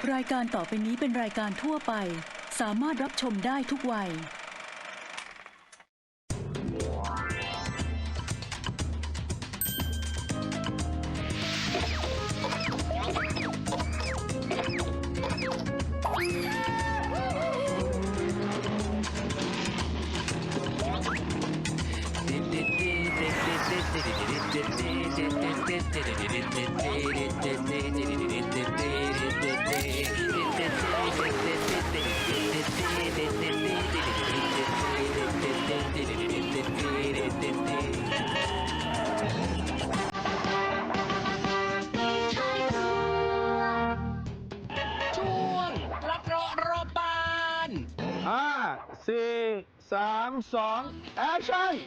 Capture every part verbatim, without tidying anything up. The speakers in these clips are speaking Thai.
รายการต่อไปนี้เป็นรายการทั่วไปสามารถรับชมได้ทุกวัยห้า สี่ สาม สอง แอคชั่น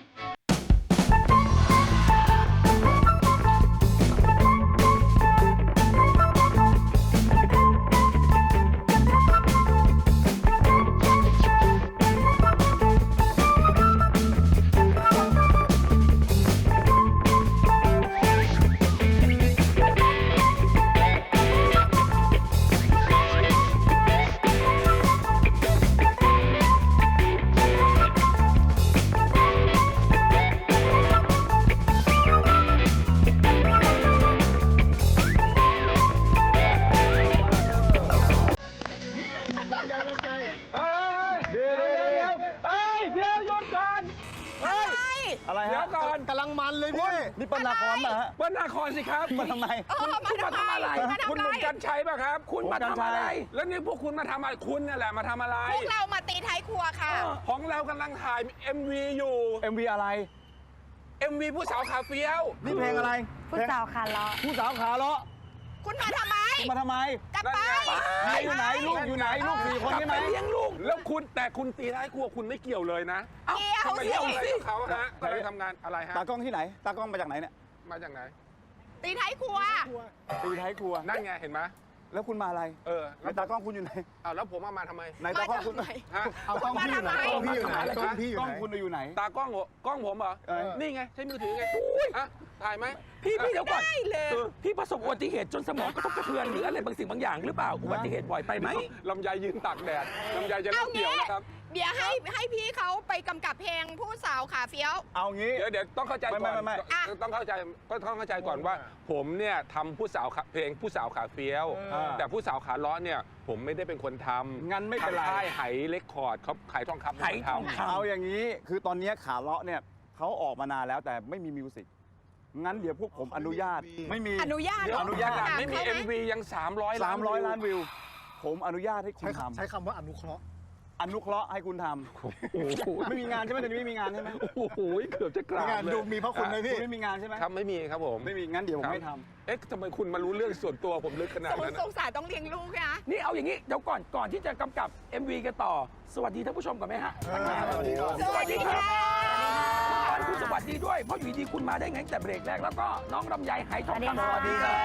อะไรฮะเดี๋ยวก่อนกำลังมันเลยพี่นี่เป็นละครป่ะฮะเปิ้ลนาครสิครับมาทำไมคุณคุณมาทำอะไร คุณหนุ่มกัญชัยป่ะครับ คุณมาทำอะไร แล้วนี่พวกคุณมาทำอะไรคุณนี่แหละมาทำอะไรพวกเรามาตีท้ายครัวค่ะของเรากำลังถ่าย เอ็ม วี อยู่เอ็ม วี อะไรเอ็ม วี ผู้สาวขาเฟี้ยวนี่เพลงอะไรผู้สาวขาเลาะผู้สาวขาเลาะคุณมาทำไมมาทำไมกลับไปใครอยู่ไหนลูกอยู่ไหนลูกสี่คนกลับใช่ไหไปมเลี้ยงลูก แล้วคุณแต่คุณตีท้ายครัวคุณไม่เกี่ยวเลยนะเกี่ยวทำไมสิเกี่ยวอะไรกับเขาฮะกำลังทำงานอะไรฮะตากล้องที่ไหน ตากล้องมาจากไหนเนี่ยมาจากไหนตีท้ายครัวตีท้ายครัวนั่นไงเห็นไหมแล้วคุณมาอะไรเออไหนตากล้องคุณอยู่ไหนเอาแล้วผมเอามาทำไมไหนตากล้องคุณมาทำไมฮะเอากล้องพี่อยู่ไหนมาทำไมกล้องพี่อยู่ไหนอะไรกล้องฮะพี่อยู่ไหนกล้องคุณอยู่ไหนตากล้องเหรอกล้องผมเหรอเออนี่ไงใช้มือถือไงฮะถ่ายไหมพี่พี่เดี๋ยวก่อนได้เลยพี่ประสบอุบัติเหตุจนสมองกระทบกระเทือนหรืออะไรบางสิ่งบางอย่างหรือเปล่าอุบัติเหตุบ่อยไปไหมลำไยยืนตากแดดลำไยจะเอาเล่าเกี่ยวงี้นะครับเดี๋ยวให้ให้พี่เขาไปกำกับเพลงผู้สาวขาเฟี้ยวเอางี้เดี๋ยวเดี๋ยวต้องเข้าใจก่อนไม่ไม่ไม่อ่ะต้องเข้าใจก็ต้องเข้าใจก่อนว่า ผมเนี่ยทำผู้สาวขาเพลงผู้สาวขาเฟี้ยวเออแต่ผู้สาวขาล้อเนี่ยผมไม่ได้เป็นคนทำงั้นไม่เป็นไรทางค่ายไหเรคคอร์ดเขาขายทองคำไหทองคำเอาอย่างนี้คือตอนนี้ขาเลาะเนี่ยเขาออกมานานแล้วแต่ไม่มีมิวสิกงั้นเดี๋ยวพวกผมอนุญาตไม่มีอนุญาตเดี๋ยวอนุญาตถไม่มีเขาหเอ็มวียัง 300 ล้านสามร้อยวิวล้านวิว ผมอนุญาตให้คุณใช้ทำใช้คำว่าอนุเคราะห์อนุเคราะห์ให้คุณทโอ้โหำไม่มีงานใช่ไหมตอนนี้ไม่มีงานใช่ไหมโอ้โหเกือบจะกราบงานเลยดูมีพระคุณไหมคุพี่ณไม่มีงานใช่ไหมครับไม่มีครับผมไม่มีงั้นเดี๋ยวผมไม่ทเอ๊ะทำไมคุณมารู้เรื่องส่วนตัวผมลึกขนาดสงนั้นสอะงสารต้องเลี้ยงลูกนะนี่เอาอย่างนี้เดี๋ยวก่อนก่อนที่จะกำกับ เอ็ม วี กันต่อ สวัสดีท่านผู้ชมก่อนไหมฮะสวัสดีครับสวัสดีค่ะคุณสวัสดีด้วยเพราะอยู่ดีๆคุณมาได้ไงตั้งแต่เบรกแรกแล้วก็น้องลำไยไหทองคำสวัสดีครับ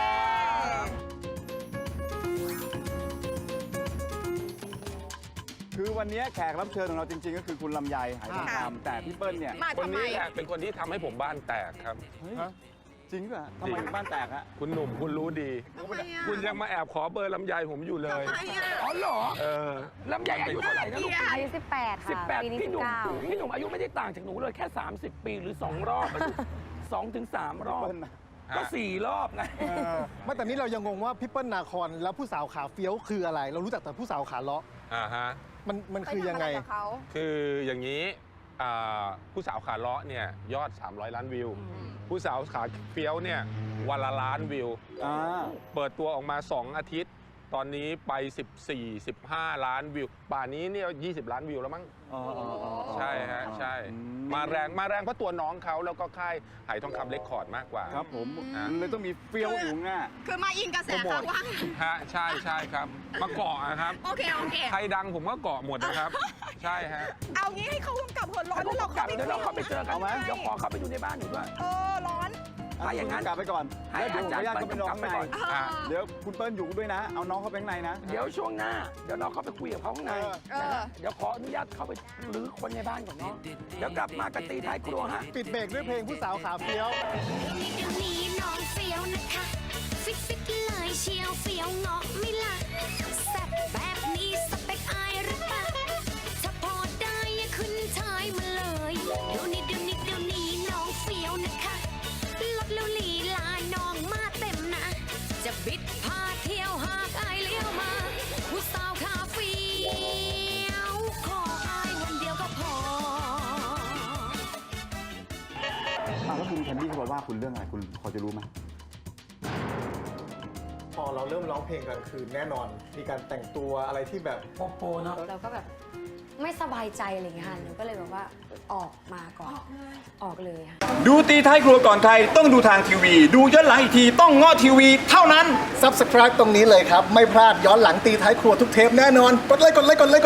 ำคือวันนี้แขกรับเชิญของเราจริง ๆ ก็คือคุณลำไยหายทองคำแต่พี่เปิ้ลเนี่ยมาคนทำไมนี้แหละเป็นคนที่ทำให้ผมบ้านแตกครับเฮ้ยจริงป่ะทำไมถึงบ้านแตกฮะคุณหนุ่มคุณรู้ดีทำไมอ่ะคุณยังมาแอบขอเบอร์ลำไยผมอยู่เลยทำไมอ่ะอ๋อเหรอเออลำไยอายุเท่าไหร่นะลูกอายุสิบแปดสิบค่ะแปดปีนี้พี่สิหบนุ่มเก้าพี่หนุ่มอายุไม่ได้ต่างจากหนูเลยแค่ สามสิบ ปีหรือ สอง รอบสองถึงสามรอบเปิ้ลนะก็สี่รอบไงเออไม่แต่นี้เรายังงงว่าพี่เปิ้ลนาคอนแล้วผู้สาวขาเฟี้ยวคืออะไร เรารู้จักแต่ผู้สาวขาเลาะอ่าฮะมันมันไปคือยังทำอะไงไรกับเขาคืออย่างนี้อ่าผู้สาวขาเลาะเนี่ยยอด สามร้อย ล้านวิว ผู้สาวขาเฟี้ยวเนี่ยวันละล้านวิวอ่าเปิดตัวออกมา สอง อาทิตย์ ตอนนี้ไป สิบสี่ สิบห้า ล้านวิว ป่านนี้เนี่ยยี่สิบ ล้านวิวแล้วมั้งอ๋ออ๋ออ๋อใช่ฮะ ใช่อืมาแรงมาแรงเพราะตัวน้องเขาแล้วก็ค่ายไหทองคำเรคคอร์ดมากกว่าครับผมอ่ะมันเลยต้องมีเฟี้ยวอยู่ง่ะคือมาอิงกระแสเขาว่าฮะใช่ใช่ครับ มาเกาะนะครับโอเค โอเคใครดังผมก็เกาะหมดนะครับ ใช่ฮะเอางี้ให้เขากำกับหัวร้อนแล้วเรากลัเข้าบไปเดี๋ยวเราเข้าไปเจอกันเอาไหมเดี๋ยวขอเข้าไปดูในบ้านหนูด้วยเออร้อนถ้าอย่างนั้นกลับไปก่อนให้แล้วเดี๋ยวผมขออนุญาตอาจารย์เข้าไปนอนข้างในไปก่อนอ่ะเดี๋ยวคุณเปิ้ลอยู่ด้วยนะ เอาน้องเข้าไปข้างในนะเดี๋ยวช่วงหน้า เดี๋ยวเราเข้าไปคุยกับเขาข้างในเออนะฮะเดี๋ยวขออนุญาตเข้าไปรื้อคนในบ้านก่อนเนาะเดี๋ยวกลับมากันตีท้ายครัวฮะปิดเบรกด้วยเพลงผู้สาวขาเฟี้ยวเดี๋ยวนี้น้องเฟี้ยวนะคะฟิตฟิตเลยเชียวเฟี้ยวเงาะไม่ละแซ่บแบบนี้สเปคอายหรือเปล่าถ้าพอได้อย่าขึ้นชายมาเลยเดี๋ยวนี้เดี๋ยวนี้เดี๋ยวนี้น้องเฟี้ยวนะคะลดแล้วลีลาน้องมาเต็มนะ จะบิดพาเที่ยวหากอายเลี้ยวมา ผู้สาวขาเฟี้ยวขออายวันเดียวก็พออ้าวแล้วคุณแคนดี้เขาบอกว่าคุณเรื่องอะไรคุณพอจะรู้ไหมพอเราเริ่มร้องเพลงกลางคืนแน่นอน มีการแต่งตัวอะไรที่แบบโปโปเนาะเราก็แบบไม่สบายใจอะไรอย่างเงี้ยค่ะหนูก็เลยแบบว่าออกมาก่อน ออกเลยค่ะดูตีท้ายครัวก่อนใครต้องดูทางทีวี ดูย้อนหลังอีกทีต้องง้อทีวีเท่านั้น Subscribe ตรงนี้เลยครับ ไม่พลาดย้อนหลังตีท้ายครัวทุกเทปแน่นอน กดไลค์กดไลค์กดไลค์